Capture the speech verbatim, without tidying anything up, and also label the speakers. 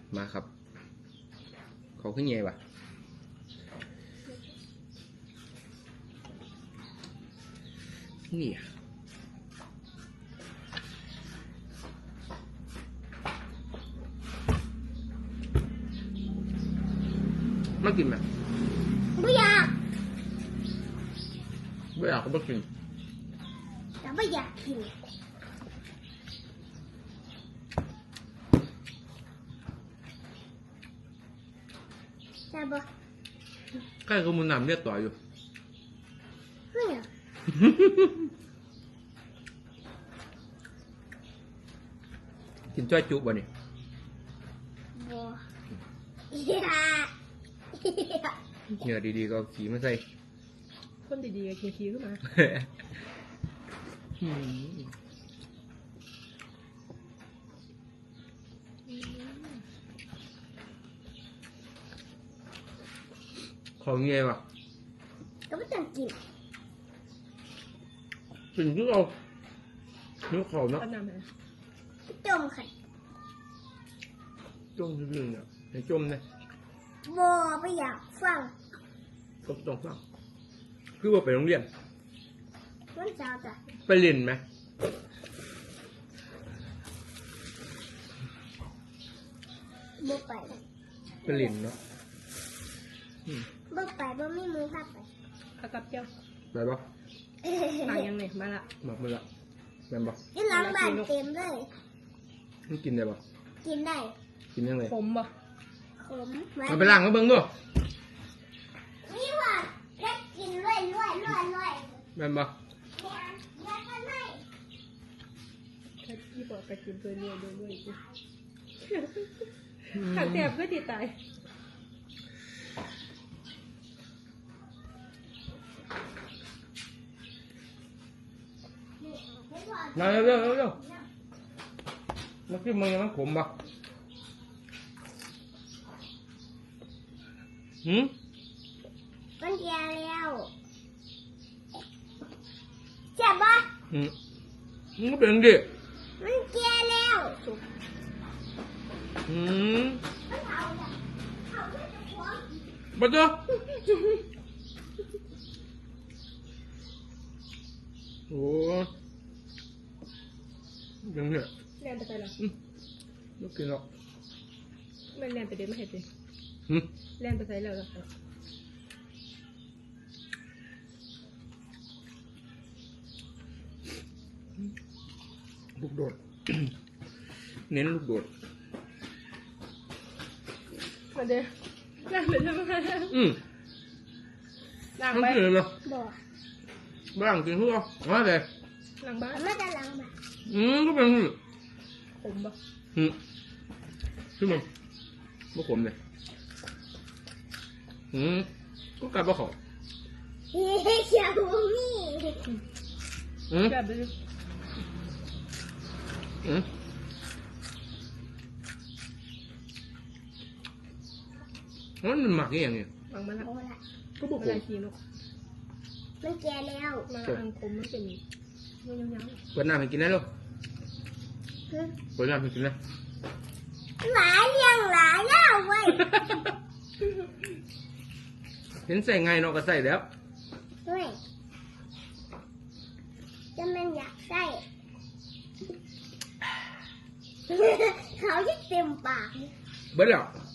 Speaker 1: มาครับเขาขึ้นไงวะนี่มากินไหม
Speaker 2: ไม่อยาก
Speaker 1: ไม่อยากก็ไม่กิน
Speaker 2: แต่ไม่อยากกินใช่ปะ
Speaker 1: ใกล้กับมุนน้ำเรียกต่ออยู่
Speaker 2: เฮ้ย
Speaker 1: กินจ้อยจุบ่เนี่ย
Speaker 2: บัว
Speaker 1: เหงื่อดีๆก็ขี่มาใส่
Speaker 3: คนดีๆก็ขี่ๆขึ้นมา
Speaker 1: ของเงี้ยวะ
Speaker 2: ก็ไม่ต้องกิน
Speaker 1: กินที่เราเนื้อเขาเนาะ
Speaker 2: จมค่ะ
Speaker 1: จมจริงๆเนี่ยในจมเนี่ย
Speaker 2: บัวไม่อยากฟัง
Speaker 1: ก็ต้องฟังคือว่าไปโรงเรียน
Speaker 2: วันเสาร์จ้ะ
Speaker 1: ไปเรียนไหม
Speaker 2: บัวไป
Speaker 1: ไปเรียนเนาะ
Speaker 2: บัวไปบัวไม่มือพับไป
Speaker 3: อากับเจ้า
Speaker 1: ไปปะ
Speaker 3: มายังไงมาละ
Speaker 1: มาเมื่อละแม่นปะ
Speaker 2: กินล้างบ้านเต็มเลย
Speaker 1: มันกินได้ปะ
Speaker 2: กินได้
Speaker 1: กินยังไง
Speaker 3: ขมปะ
Speaker 2: ขม
Speaker 1: มาไปล้างก็เบิ้งด้วย
Speaker 2: นี่ว่าเล็กกินด้วยด้วยด้วยด้วย
Speaker 1: แม่นปะ
Speaker 3: ที่บอกไปกินตัวเนี้ยด้วยด้วยกูขังแสบก็ติดตาย
Speaker 1: มาเร็วเร็วเร็วมากินมึงยังมันขมปะหืม
Speaker 2: มันแก่แล้วเจ็บปะ
Speaker 1: หืมมันก็เป็นดิ
Speaker 2: มันแก่แล้ว
Speaker 1: หืมบัดเจ้าโอ้ยังเนี่ย
Speaker 3: แล่นไปใส่หรอ
Speaker 1: ไม่กินหรอก
Speaker 3: ไม่แล่นไปเดี๋ยวไม่เห็นเลยแล่นไปใส่แล้วหรอ
Speaker 1: ลูกโดด เน้นลูกโดด
Speaker 3: มาเดี๋ยวนั่งเลยใช่ไหม
Speaker 1: อืม
Speaker 3: นั่งไป
Speaker 1: เลยนะ
Speaker 2: บ่
Speaker 1: บ้างกินทุกอย่างมาเลย
Speaker 3: หลังบ้าน
Speaker 2: ไม่ได้หลังบ้าน
Speaker 1: อืมก็เป็น
Speaker 3: ขมปะ
Speaker 1: อืมขึ้นมาไม่ขมเลยอืมก็กลับมาขอ
Speaker 2: เฮ้ยเขียวมี่
Speaker 1: อืม
Speaker 3: แบบนี้
Speaker 1: อืมมันหมักยังไง
Speaker 3: หมักมันละ
Speaker 1: ก็บอกผม
Speaker 2: มันแก่แล้ว
Speaker 3: มาอังคมมันเป็นยังยัง
Speaker 1: เปิดน้ำให้กินได้หรอเปิดน้ำให้กินได้
Speaker 2: หลายเลี้ยงหลายแล้วเว้ย
Speaker 1: เห็นใส่ไงเนาะก็ใส่แล้ว
Speaker 2: เฮ้ยจะมันอยากใส่เขาจะเต็มปาก
Speaker 1: เบิดแล้ว